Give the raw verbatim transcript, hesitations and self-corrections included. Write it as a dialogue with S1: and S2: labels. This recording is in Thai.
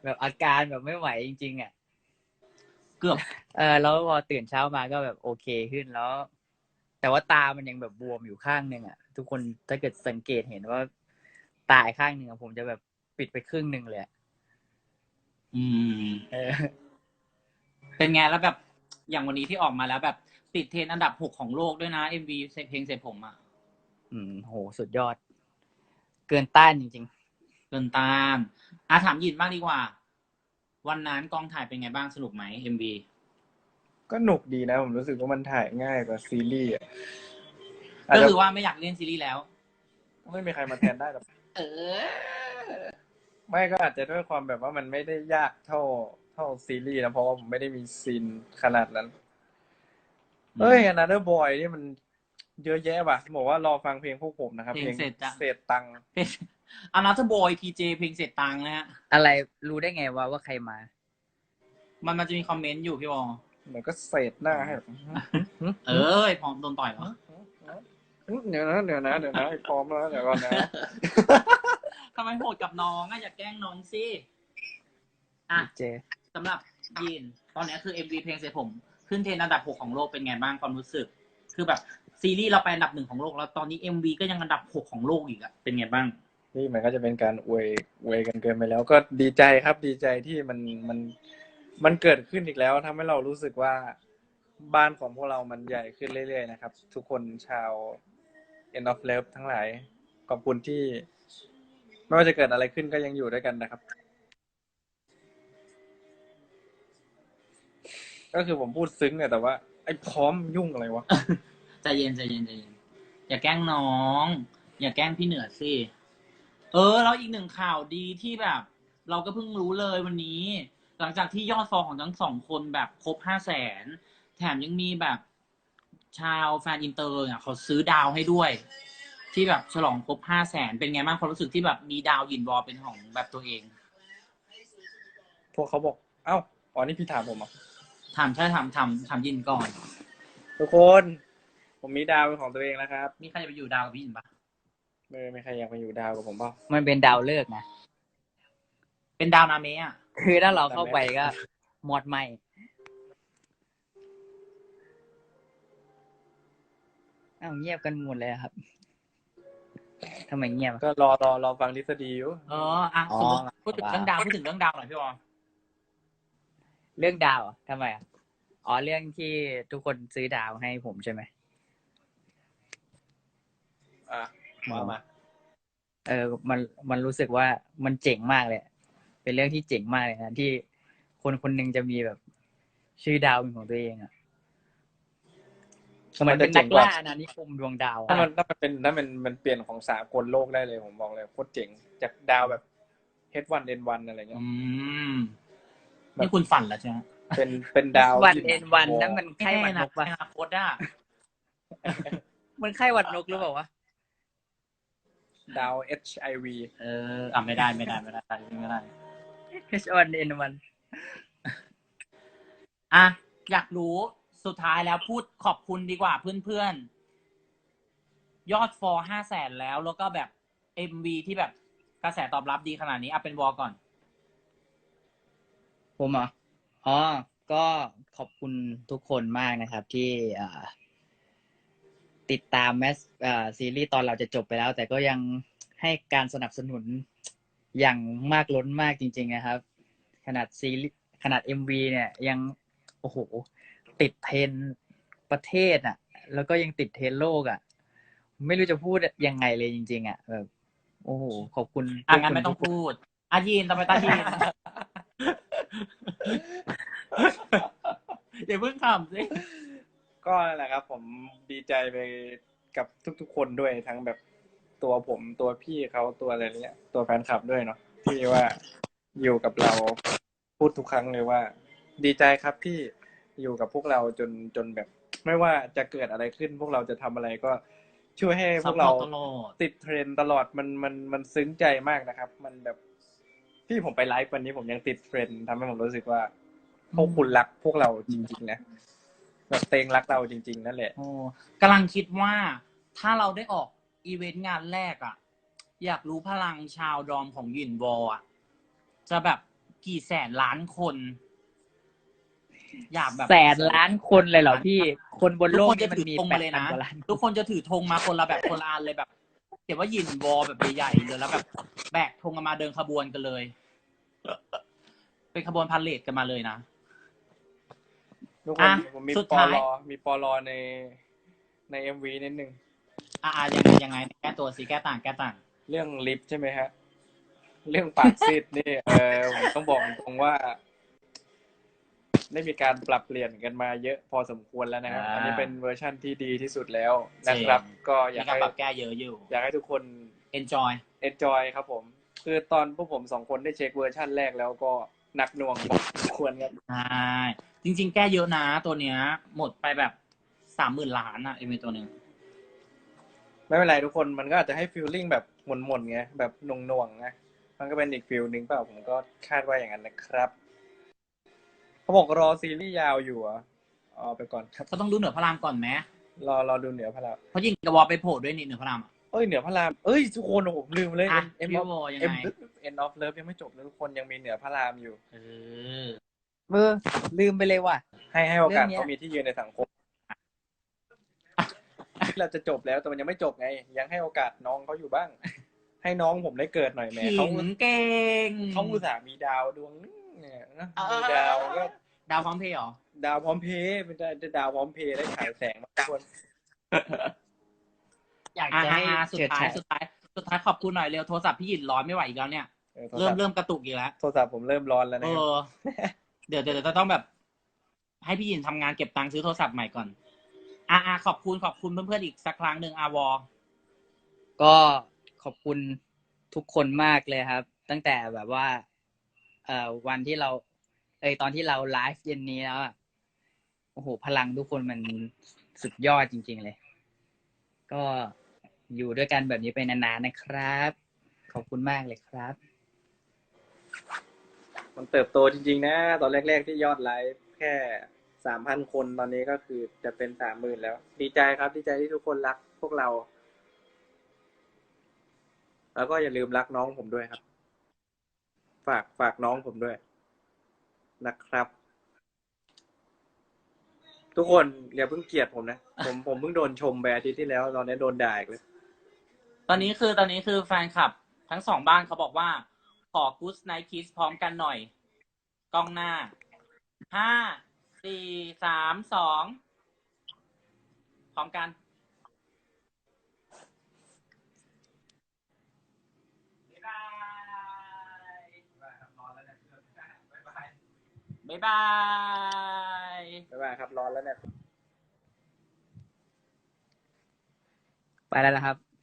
S1: แบบอาการแบบไม่ไหวจริงๆอ่ะ
S2: เกือบ
S1: เออแล้วพอตื่นเช้ามาก็แบบโอเคขึ้นแล้วแต่ว่าตามันยังแบบบวมอยู่ข้างหนึ่งอ่ะทุกคนถ้าเกิดสังเกตเห็นว่าตาข้างหนึ่งผมจะแบบปิดไปครึ่งหนึ่งเลย
S2: อืม
S1: เออ
S2: เป็นไงแล้วแบบอย่างวันนี้ที่ออกมาแล้วแบบติดเทรนด์อันดับหกของโลกด้วยนะ เอ็ม วี เพลงเสร็จผมอ่ะ
S1: อืมโหสุดยอดเกินต้านจริง
S2: เกินต้านอ่ะถามยินบ้างดีกว่าวันนั้นกองถ่ายเป็นไงบ้างสนุกไหม เอ็ม วี
S3: ก็หนุกดีนะผมรู้สึกว่ามันถ่ายง่ายกว่าซีรีส์อ่ะอาจ
S2: ก็
S3: จะ
S2: คือว่าไม่อยากเล่นซีรีส์แล้ว
S3: ไม่มีใครมาแทนได้หรอก
S2: เออ
S3: ไม่ก็อาจจะด้วยความแบบว่ามันไม่ได้ยากเท่าเท่าซีรีส์นะเพราะว่าผมไม่ได้มีซีนขนาดนั้นเอ้ย Another Boy นี่มันเยอะแยะว่ะบอกว่ารอฟังเพลงพวกผมนะครับ
S2: เพลงเสร็จจ้ะ
S3: เศษตังค์
S2: เป็นอานาเธอร์บอยพีเจเพลงเสร็จตังค์นะฮะ
S1: ๆอะไรรู้ได้ไงว่าว่าใครมา
S2: มันมันจะมีคอมเมนต์อยู่พี่บอล
S3: เหมือนก็เศษหน้าให้แบบ
S2: เออพร้อมโดนต่อยเหรอ
S3: เดี๋ยวนะเดี๋ยวนะเดี๋ยวนะพร้อมแล้วเดี๋ยวก่อนนะ
S2: ทำไมโหดกับน้องอะอย่าแกล้งน้องสิอ่ะ
S1: เจ
S2: สำหรับยีนตอนนี้คือ เอ็ม วี เพลงเสร็จผมขึ้นเทรนด์อันดับหกของโลกเป็นไงบ้างความรู้สึก คือแบบซีรีส์เราไปอันดับหนึ่งของโลกแล้วตอนนี้ เอ็ม วี ก็ยังอันดับหกของโลกอีกอะเป็นไงบ้าง
S3: นี่มันก็จะเป็นการอวยอวยกันเกินไปแล้วก็ดีใจครับดีใจที่มันมันมันเกิดขึ้นอีกแล้วทำให้เรารู้สึกว่าบ้านของพวกเรามันใหญ่ขึ้นเรื่อยๆนะครับทุกคนชาว End of Love ทั้งหลายขอบคุณที่ไม่ว่าจะเกิดอะไรขึ้นก็ยังอยู่ด้วยกันนะครับก็คือผมพูดซึ้งเนี่ยแต่ว่าไอ้พร้อมยุ่งอะไรวะ
S2: ใจเย็นใจเย็นใจเย็นอย่าแกล้งน้อง อย่าแกล้งพี่เหนือสิเออแล้วอีกหนึ่งข่าวดีที่แบบ เราก็เพิ่งรู้เลยวันนี้ หลังจากที่ยอดฟอลของทั้งสองคนแบบครบห้าแสนแถมยังมีแบบชาวแฟนอินเตอร์เนี่ยเขาซื้อดาวให้ด้วย ที่แบบฉลองครบห้าแสนเป็นไงบ้างความรู้สึกที่แบบมีดาวยินวอลเป็นของแบบตัวเอง
S3: พวกเขาบอกเอ้าอ๋อนี่พี่ถามผมอ่ะ
S2: ถามใช่ถามถามถามยินก่อน
S3: ทุกคนผมมีดาวเป็นของตัวเองแล้วครับ
S2: มีใครจะไปอยู่ดาวกับพี่ยินปะ
S3: ไม่ไม่ใครอยากมาอยู่ดาวกับผมเปล่า
S1: มันเป็นดาวเลิกษ์นะ
S2: เป็นดาวนาเมะอ่ะ
S1: คือถ้าเราเข้าไปก็หมดไหมอ้าวเงียบกันหมดเลยครับทำไมเงียบอะ
S3: ก็รอรอรอฟังทฤษฎีอยู่
S2: เอออ่ะ
S1: อ๋อ
S2: สมมติพูดถึงเรื่องดาวพูดถึงเรื่องดาวหน่อยพี่บอล
S1: เรื่องดาวอะทำไมอ่ะอ๋อเรื่องที่ทุกคนซื้อดาวให้ผมใช่ไหม
S3: อ่ะมามา
S1: เออมันมันรู้สึกว่ามันเจ๋งมากเลยเป็นเรื่องที่เจ๋งมากเลยนะที่คนคนหนึ่งจะมีแบบชื่อดาวเป็นของตัวเองอ่ะเหมือนเป็นนักล่าอาณานิคมดวงดาว
S3: ถ้ามันถ้ามันเป็นถ้ามันมันเปลี่ยนของสากลโลกได้เลยผมบอกเลยโคตรเจ๋งจากดาวแบบ เอช วัน เอ็น วัน อะไรเงี้ย
S2: อืมนี่คุณฝันแล้วใช่ไหม
S3: เป็นเป็นดาว
S1: วันเอ็นวันนั่นมันไข้หวัดนกปะ
S2: อนาคตอ่ะ
S1: มันไข้หวัดนกหรือเปล่าวะ
S3: ดาว เอช ไอ วี
S2: เอออ่ะไม่ได้ไม่ได้ไม่ได้ไม่ได้
S1: เอชวันเอ็นวัน
S2: อ่ะอยากรู้สุดท้ายแล้วพูดขอบคุณดีกว่าเพื่อนๆยอดฟอลห้าแสนแล้วแล้วก็แบบ เอ็ม วี ที่แบบกระแสตอบรับดีขนาดนี้อ่ะเป็นวอลก่อน
S1: ผมเหรออ๋อก็ขอบคุณทุกคนมากนะครับ ที่อ่าติดตามแมสอ่าซีรีส์ตอนเราจะจบไปแล้ว แต่ก็ยังให้การสนับสนุนอย่างมากล้นมากจริงๆนะครับ ขนาดซีรีส์ขนาด เอ็ม วี เนี่ยยังโอ้โหติดเทรนด์ประเทศอ่ะ แล้วก็ยังติดเทรนด์โลกอ่ะ ไม่รู้จะพูดยังไงเลยจริงๆอ่ะแบบโอ้โหขอบคุณ
S2: อ่ะงั้นไม่ต้องพูดอายีนทำไมตายีน อย่าเพิ่งขำสิ
S3: ก็นั่นแหละครับ ผมดีใจไปกับทุกๆคนด้วยทั้งแบบตัวผมตัวพี่เขาตัวอะไรเนี้ยตัวแฟนคลับด้วยเนาะที่ว่าอยู่กับเราพูดทุกครั้งเลยว่า ดีใจครับที่อยู่กับพวกเราจนจนแบบ ไม่ว่าจะเกิดอะไรขึ้น พวกเราจะทำอะไรก็ช่วยให้พวกเราติดเทรนด์ตลอดมันมันมันซึ้งใจมากนะครับ มันแบบที่ผมไปไลฟ์วันนี้ผมยังติดเทรนด์ทำให้ผมรู้สึกว่าพวกคุณรักพวกเราจริงๆนะแบบเตงรักเราจริงๆนั่นแหละ
S2: โอ้กำลังคิดว่าถ้าเราได้ออกอีเวนต์งานแรกอ่ะ อยากรู้พลังชาวดอมของหยินวอลอ่ะจะแบบกี่แสนล้านคน อยากแบบ
S1: แสนล้านคนเลยเหรอพี่ คนบน
S2: ทุก
S1: โลก
S2: คนจะ
S1: นี่มัน
S2: ถือ
S1: มี
S2: ธง
S1: แป
S2: มา
S1: ด
S2: เลย
S1: พัน
S2: นะ
S1: กว่าล้าน
S2: ทุกคนจะถือธงมาคนละแบบคนละอันเลยแบบเขียนว่าหยินวอแบบใหญ่ๆเลยแล้วแบบแบกธงกันมาเดินขบวนกันเลย เป็นขบวนพาเหรดกันมาเลยนะ
S3: ทุกคน
S2: อ่ะ
S3: ผมมี
S2: สุด
S3: ปอ
S2: ท้าย
S3: ลอมีปอลอในในเอ็มวีนิดนึง
S2: อ่ายังไงยังไงแก้ตัวสิแก้ต่างแก้ต่าง
S3: เรื่องลิฟต์ใช่ไหมฮะ เรื่องปากซีดนี่ เออผมต้องบอกตรงว่า ได้มีการปรับเปลี่ยนกันมาเยอะพอสมควรแล้วนะครับ
S2: อ่า
S3: อันนี้เป็นเวอร์ชั่นที่ดีที่สุดแล้วนะครับ
S2: จริง
S3: ก็อ
S2: มี
S3: ยาก
S2: การ
S3: ให้
S2: ปรับแก้เยอะอยู่
S3: อยากให้ทุกคน
S2: enjoy
S3: enjoy ครับผม คือตอนพวกผมสองคนได้เช็คเวอร์ชั่นแรกแล้วก็หนักหน่วงพอสมควรครับ
S2: ใช่จริง ๆ แก้เยอะนะตัวเนี้ย หมดไปแบบสามหมื่นล้านอะเอ็มวีตัวหนึ่ง
S3: ไม่เป็นไรทุกคนมันก็อาจจะให้ฟีลลิ่งแบบหม่นๆไงแบบหน่วงๆไงมันก็เป็นอีกฟีลหนึ่งเปล่าผมก็คาดว่าอย่างนั้นนะครับเขาบอกรอซีรีส์ยาวอยู่อ่ะเอาไปก่อนครับ
S2: ก็ต้องดูเหนือพระรามก่อนไหม
S3: รอรอดูเหนือพระราม
S2: เพราะยิงกระวอไปโผล่ด้วยนี่เหนือพระรามอะ
S3: เอ้ยเหนือพระรามเอ้ยทุกคนโอ้โหลืมเลย
S2: อ่ะ
S3: เอ็ม
S2: พี่
S3: ออฟ
S2: โบยัง
S3: เอ็ม
S2: ไง
S3: เอ็นออฟเลิฟยังไม่จบเลยทุกคนยังมีเหนือพระรามอยู่
S2: เออ
S1: เออลืมไปเลยว่ะ
S3: ให้ให้โอกาส
S1: เรื่องเนี้ย
S3: เขามีที่ยืนในสังคมที่เราจะจบแล้วแต่มันยังไม่จบไง ยังให้โอกาสน้องเขาอยู่บ้าง ให้น้องผมได้เกิดหน่อยแหม่
S2: ขิ
S3: เขา
S2: งเก่ง
S3: เขาอุตส่าห์มีดาวดวงนึงเนี่ยนะ
S2: เออ
S3: มีดาวก็
S2: ดาวพร้อมเพย์เหรอ
S3: ดาวพร้อมเพย์เป็นดาวพร้อมเพย์ได้ฉายแสงมาทุกคน
S1: อยาก
S2: อ่า
S1: จะให้
S2: สุด
S1: เฉิด
S2: ท้าย
S1: ฉาย
S2: สุดท้ายสุดท้ายขอบคุณหน่อยเร็วโทรศัพท์พี่หยินร้อนไม่ไหวอีกแล้วเนี่ย
S3: ออโทร
S2: เริ่
S3: ศั
S2: ม
S3: พท์
S2: เริ่มกระตุกอีกแล้ว
S3: โทรศัพท์ผมเริ่มร้อนแล้ว
S2: เอ
S3: นะครับ
S2: อ เดี๋ยวเดี๋ยวจะต้องแบบ ให้พี่หยินทำงานเก็บตังค์ซื้อโทรศัพท์ใหม่ก่อน อ่าอ่าขอบคุณขอบคุณเพื่อนๆอีกสักครั้งหนึ่งอาวอ
S1: ก็ขอบคุณทุกคนมากเลยครับ ตั้งแต่แบบว่า เอ่อวันที่เรา เอยตอนที่เราไลฟ์เย็นนี้แล้วอะโอ้โหพลังทุกคนมันสุดยอดจริง ๆ เลย ก็อยู่ด้วยกันแบบนี้ไปนานๆนะครับ ขอบคุณมากเลยครับ
S3: มันเติบโตจริงๆนะ ตอนแรกๆที่ยอดไลฟ์แค่สามพันคนตอนนี้ก็คือจะเป็นสามหมื่นแล้ว ดีใจครับ ดีใจที่ทุกคนรักพวกเรา แล้วก็อย่าลืมรักน้องผมด้วยครับ ฝากฝากน้องผมด้วยนะครับ ทุกคนอย่าเพิ่งเกลียดผมนะ ผมผมเพิ่งโดนชมไปอาทิตย์ที่แล้วตอนนี้โดนด่าอีกเลย
S2: ตอนนี้คือตอนนี้คือแฟนคลับ ทั้งสองบ้านเขาบอกว่า ขอ Good Night Kiss พร้อมกันหน่อย กล้องหน้า ห้า สี่ สาม สอง พร้อมกัน บ๊ายบาย บ๊ายบาย
S3: บ๊ายบายครับร้อนแล้วเนี่ย
S1: ไปแล้วนะครับ